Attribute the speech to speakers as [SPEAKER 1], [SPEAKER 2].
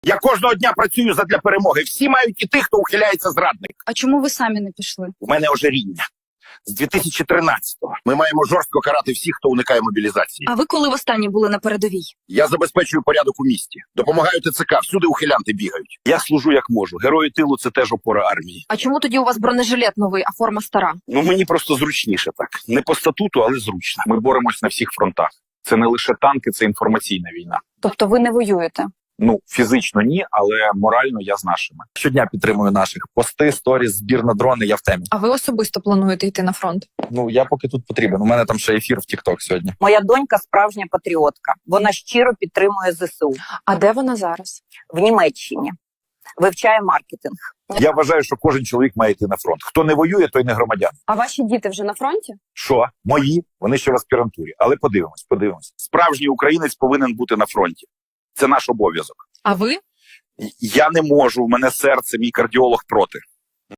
[SPEAKER 1] Я кожного дня працюю задля перемоги. Всі мають іти, хто ухиляється зрадник.
[SPEAKER 2] А чому ви самі не пішли?
[SPEAKER 1] У мене ожиріння. З 2013-го ми маємо жорстко карати всіх, хто уникає мобілізації.
[SPEAKER 2] А ви коли востаннє були на передовій?
[SPEAKER 1] Я забезпечую порядок у місті. Допомагаю ТЦК, всюди ухилянти бігають. Я служу як можу. Герої тилу – це теж опора армії.
[SPEAKER 2] А чому тоді у вас бронежилет новий, а форма стара?
[SPEAKER 1] Ну, мені просто зручніше так. Не по статуту, але зручно. Ми боремось на всіх фронтах. Це не лише танки, це інформаційна війна.
[SPEAKER 2] Тобто ви не воюєте?
[SPEAKER 1] Ну, фізично ні, але морально я з нашими.
[SPEAKER 3] Щодня підтримую наших. Пости, сторіс, збір на дрони, я в темі.
[SPEAKER 2] А ви особисто плануєте йти на фронт?
[SPEAKER 3] Ну, я поки тут потрібен. У мене там ще ефір в TikTok сьогодні.
[SPEAKER 4] Моя донька справжня патріотка. Вона щиро підтримує ЗСУ.
[SPEAKER 2] А де вона зараз?
[SPEAKER 4] В Німеччині. Вивчає маркетинг.
[SPEAKER 1] Я вважаю, що кожен чоловік має йти на фронт. Хто не воює, той не громадян.
[SPEAKER 2] А ваші діти вже на фронті?
[SPEAKER 1] Що? Мої? Вони ще в аспірантурі. Але подивимось. Справжній українець повинен бути на фронті. Це наш обов'язок.
[SPEAKER 2] А ви?
[SPEAKER 1] Я не можу, у мене серце, мій кардіолог проти.